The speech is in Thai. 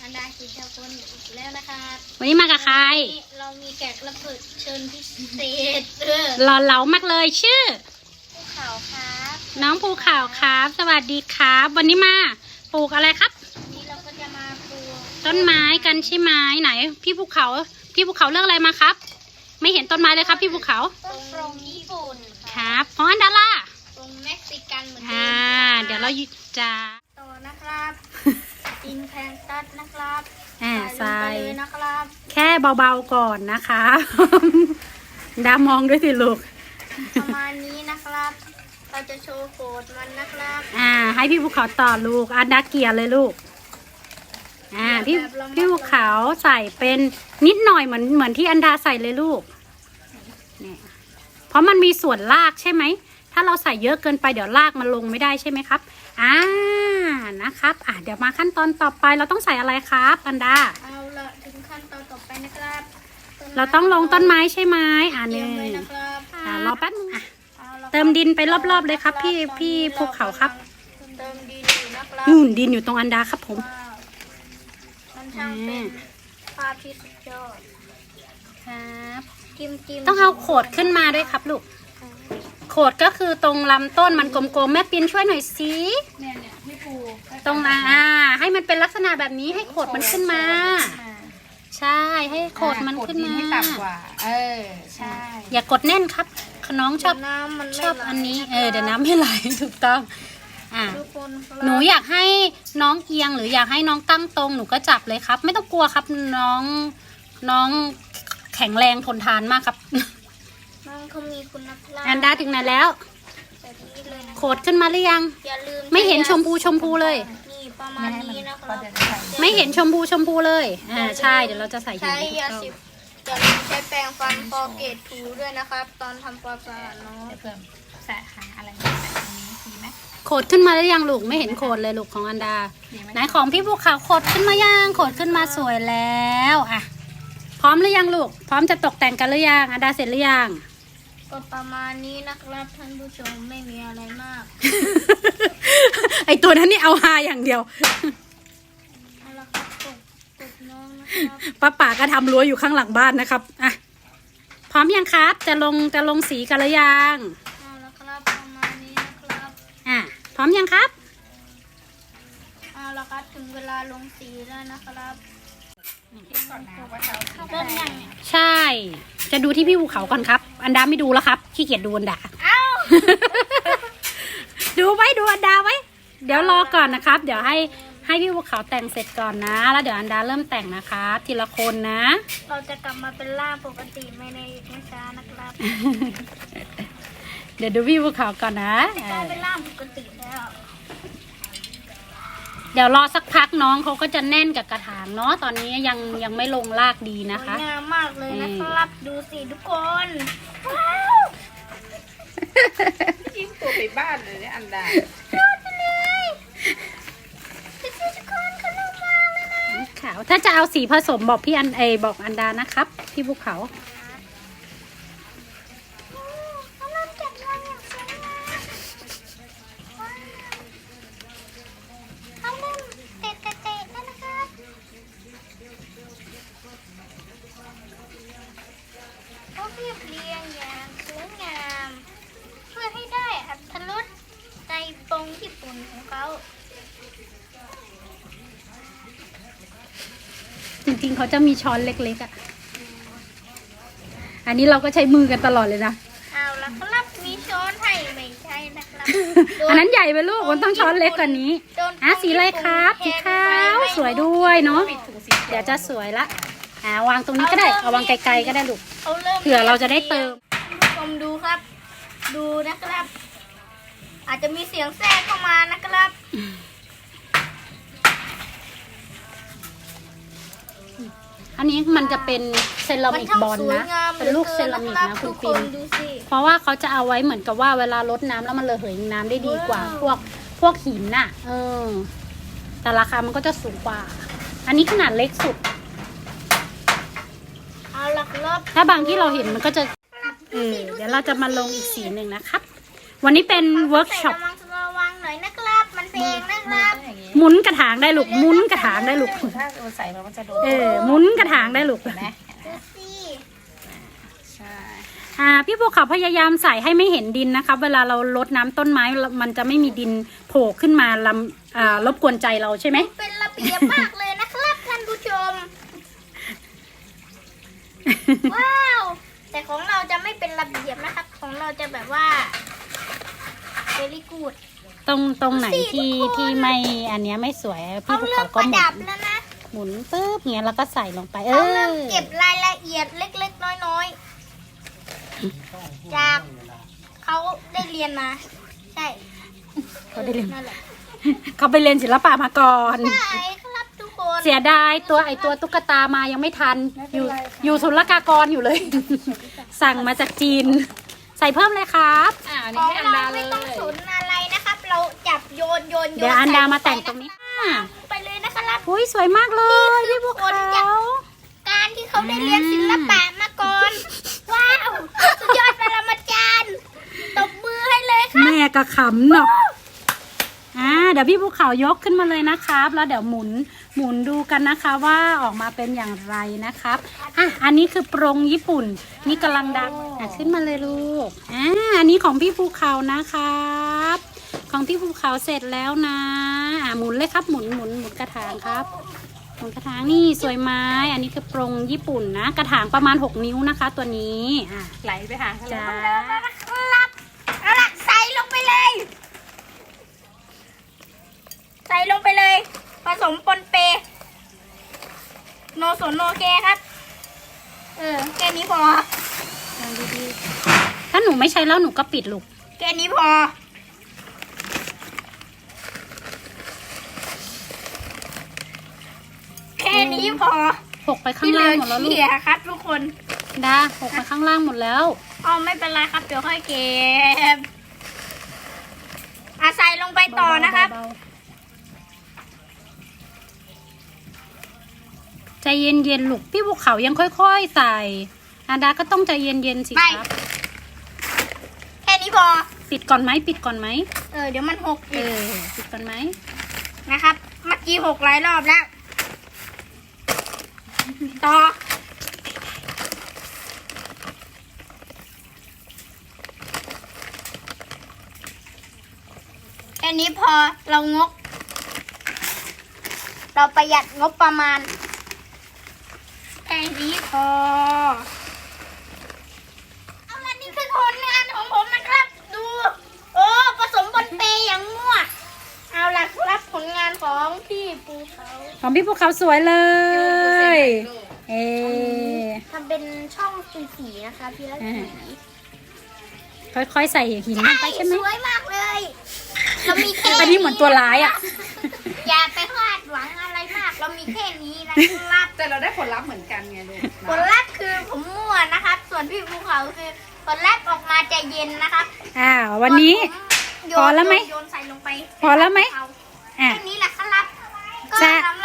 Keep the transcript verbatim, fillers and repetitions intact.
นดาคิดชาวคนอีกแล้วนะคะวันนี้มากับใครเรามีแขกรับเชิญพิเศษหล่อเหลามากเลยชื่อภูเขาครับน้องภูเขาครับสวัสดีครับวันนี้มาปลูกอะไรครับวันนี้เราก็จะมาปลูกต้นไม้กันใช่ไหมไหนพี่ภูเขาพี่ภูเขาเลือกอะไรมาครับไม่เห็นต้นไม้เลยครับพี่ภูเขาต้นโปรงญี่ปุ่นครับเพราะอันดาล่าตรงเม็กซิกันเหมือนกันอ่าเดี๋ยวเราจะต่อนะครับอินแพนตัสนะครับอ่าใส่นะครับแค่เบาๆก่อนนะคะดามองด้วยสิลูกประมาณนี้นะครับเราจะโชว์โคดมันนะครับอ่าให้พี่ภูเขาต่อลูกอันดาเกียร์เลยลูกอ่าพี่พี่ภูเขาใส่เป็นนิดหน่อยเหมือนเหมือนที่อันดาใส่เลยลูกเนี่ยเพราะมันมีส่วนรากใช่ไหมถ้าเราใส่เยอะเกินไปเดี๋ยวรากมันลงไม่ได้ใช่ไหมครับอ่านะครับอ่ะเดี๋ยวมาขั้นตอนต่อไปเราต้องใส่อะไรครับอันดาเอาละถึงขั้นตอนต่อไปนะครับเราต้องลงต้นไม้ใช่ไหมอ่าเนี่ยอ่ารอแป๊บนึงอ่ะเติมดินไปรอบๆเลยครับพี่พี่ภูเขาครับเติมดินนะครับนู่นดินอยู่ตรงอันดาครับผมมันช่างเป็นภาพที่สุดยอดครับจิ้มจิ้มต้องเอาโขดขึ้นมาด้วยครับลูกโขดก็คือตรงลำต้นมันกลมๆแม่ปินช่วยหน่อยสิเนี่ยเนี่ยไม่ปูตรงอ่าให้มันเป็นลักษณะแบบนี้ให้โขดมันขึ้นมาใช่ให้โขดมันขึ้นมาให้ต่ำกว่าเออใช่อย่ากดแน่นครับน้องชอบชอบอันนี้เออเดี๋ยวน้ำไม่ไหลถูกต้องอ่าหนูอยากให้น้องเอียงหรืออยากให้น้องตั้งตรงหนูก็จับเลยครับไม่ต้องกลัวครับน้องน้องแข็งแรงทนทานมากครับน้องเขามีคุณภาพอันดาถึงไหนแล้วโขดขึ้นมาหรือยังไม่เห็นชมพูชมพูเลยนี่ประมาณนี้นะครับไม่เห็นชมพูชมพูเลยอ่าใช่เดี๋ยวเราจะใส่ใช้ยาสีจะใช้แปรงฟันคอเกตถูด้วยนะครับตอนทำความสะอาดเนาะเพิ่มใส่หาอะไรใส่ตรงนี้ดีไหมโขดขึ้นมาหรือยังลูกไม่เห็นโขดเลยลูกของอันดาไหนของพี่ภูเขาโขดขึ้นมายังโขดขึ้นมาสวยแล้วอ่ะพร้อมหรือยังลูกพร้อมจะตกแต่งกันหรือยังอันดาเสร็จหรือยังก็ประมาณนี้นะครับท่านผู้ชมไม่มีอะไรมากไอตัวนั้นนี่เอาฮาอย่างเดียวเอาละครับกดกดน้องนะครับป้าป่าก็ทำรั้วอยู่ข้างหลังบ้านนะครับอ่ะพร้อมยังครับจะลงจะลงสีกันหรือยังเอาละครับประมาณนี้นะครับอ่ะพร้อมยังครับเอาละครับถึงเวลาลงสีแล้วนะครับเริ่มยังใช่จะดูที่พี่ภูเขาก่อนครับอันดาไม่ดูแล้วครับขี้เกียจดูอันดาเอ้าดูไว้ดูอันดาไว้เดี๋ยวรอก่อนนะครับเดี๋ยวให้ให้พี่ภูเขาแต่งเสร็จก่อนนะแล้วเดี๋ยวอันดาเริ่มแต่งนะคะทีละคนนะเราจะกลับมาเป็นร่างปกติไม่ในอีกไม่ช้านะครับเดี๋ยวดูพี่ภูเขาก่อนนะต้องเป็นร่างปกติแล้วเดี๋ยวรอสักพักน้องเขาก็จะแน่นกับกระถางเนาะตอนนี้ยังยังไม่ลงรากดีนะคะงามมากเลยนะครับดูสิทุกคนว้าวยิ้มตัวไปบ้านเลยเนี่ยอันดาดูไปเลยทุกคนเขาลงมาเลยนะขาวถ้าจะเอาสีผสมบอกพี่อันเอบอกอันดานะครับพี่ภูเขาเรียบเรียงอย่างสวยงามเพื่อให้ได้อรรถรสในปงญี่ปุ่นของเขาจริงๆเขาจะมีช้อนเล็กๆอ่ะอันนี้เราก็ใช้มือกันตลอดเลยนะเอาละครับมีช้อนให้ไม่ใช่นะครับอันนั้นใหญ่ไปลูกมันต้องช้อนเล็กกว่านี้อ่ะสีอะไรครับสีขาวสวยด้วยเนาะเดี๋ยวจะสวยละอ่าวางตรงนี้ก็ได้เอาวางไกลๆก็ได้ลูกเผื่อเราจะได้เติมผู้ชมดูครับดูนะครับอาจจะมีเสียงแทรกเข้ามานะครับอันนี้มันจะเป็นเซรามิกบอลนะเป็นลูกเซรามิกนะคุณปิ่นเพราะว่าเขาจะเอาไว้เหมือนกับว่าเวลารดน้ำแล้วมันระเหยน้ำได้ดีกว่าพวกพวกหินน่ะเออแต่ราคามันก็จะสูงกว่าอันนี้ขนาดเล็กสุดถ้าบางที่เราเห็นมันก็จะเออเดี๋ยวเราจะมาลงอีกสีหนึ่งนะครับวันนี้เป็นเวิร์กช็อประวังหน่อยนะครับมันเพลงนะครับหมุนกระถางได้ลูกหมุนกระถางได้ลูกถ้าเราใส่มันก็จะโดนเออหมุนกระถางได้ลูกเห็นไหมดูสิใช่อ่าพี่ภูเขาพยายามใส่ให้ไม่เห็นดินนะคะเวลาเรารดน้ำต้นไม้มันจะไม่มีดินโผล่ขึ้นมาลำอ่ารบกวนใจเราใช่ไหมเป็นระเบียบมากเลยนะครับท่านผู้ชม ว้าว แต่ของเราจะไม่เป็นระเบียบนะครับ ของเราจะแบบว่า very good ตรงตรงไหนดูสิที่ทุกคนที่ไม่อันเนี้ยไม่สวยพี่เขาภูเริ่เขามก็ประหมุดับนแล้วนะหมุนปุ๊บเงี้ยแล้วก็ใส่ลงไปเอเขาเริ่มอเก็บรายละเอียดเล็กๆ น้อยๆ จากเขาได้เรียนมา ใช่เขาได้เรียนนั่นแหละเขาไปเรียนศิลปะมาก่อนใช่ครับทุกคนเสียดายตัวไอตัวตุ๊กตามายังไม่ทัน อยู่อยู่ศุลกากรอยู่เลย สั่งมาจากจีน ใส่เพิ่มเลยครับอ่าอันขนี้องให้อันเราดาเลไม่ยต้องสนอะไรนะครับ เราจับโยนโยนโยนเดี๋ยวอันดามาใส่แต่งลตรงนี้ไปเลยนะครับอุ้ยสวยมากเลยพี่ภูเขาการที่เขาได้เรียนศิลปะมาก่อน ว้าว สุดยอดปรมาจารย์ตบมือให้เลยครับแม่กระขำเนาะอ่าเดี๋ยวพี่ภูเขายกขึ้นมาเลยนะครับ แล้วเดี๋ยวหมุนหมุนดูกันนะคะว่าออกมาเป็นอย่างไรนะครับอ่ะอันนี้คือปรงญี่ปุ่นนี่กำลังดังอ่ะขึ้นมาเลยลูกอ่าอันนี้ของพี่ภูเขานะครับ ของพี่ภูเขาเสร็จแล้วนะอ่ะหมุนเลยครับหมุนหมุนหมุนกระถางครับหมุนกระถางนี่สวยไหมอันนี้คือปรงญี่ปุ่นนะ กระถางประมาณหกนิ้วนะคะ ตัวนี้อ่ะไหลไปหาเขาจ้าครับเอาล่ะใส่ลงไปเลย ใส่ลงไปเลย ผสมปนเป โนสนโนแกครับ เออ แค่นี้พอลองดีๆถ้าหนูไม่ใช้แล้วหนูก็ปิดลูกแค่นี้พอ แค่นี้พอหกไปข้างล่างหมดแล้วลูกที่เหลือขี้ครับทุกคนดาหกไปข้างล่างหมดแล้วอ๋อไม่เป็นไรครับ เดี๋ยวค่อยเก็บอาใส่ลงไปต่อนะครับเาๆใจเย็นๆลูกพี่ภูเขายังค่อยๆใส่อาดาก็ต้องใจเย็นๆสิไม่ครับแค่นี้พอปิดก่อนไหมปิดก่อนไหมเออ เดี๋ยวมันหกเออีกอปิดก่อนไหมนะครับ เมื่อกี้หกหลายรอบแล้ว ต่อ แค่นี้พอเรางก เราประหยัดงบประมาณ แค่นี้พอ เอาละนี่คือผลงานของผมนะครับ ดู โอ้ผสมบนเปย์อย่างมั่ว เอาล่ะครับผลงานของพี่ปูเขาของพี่ภูเขาสวยเลยเออทำเป็นช่องสีๆนะคะพี่ละสีค่อยๆใส่หินลงไปใช่ไหมสวยมากเลยเรามีแค่อันนี้เหมือนตัวร้ายอ่ะอย่าไปคาดหวังอะไรมาก เรามีแค่นี้นะครับแต่เราได้ผลลัพธ์เหมือนกันไงลูกผลลัพธ์คือผมมั่วนะครับ ส่วนพี่ภูเขาคือผลลัพธ์ออกมาจะเย็นนะครับอ่าวันนี้ส่ผมโยนพอแล้วไหมโยนใส่ลงไปพอแล้วไหมเอาอ่ะแค่นี้แหละครับก็จะสาม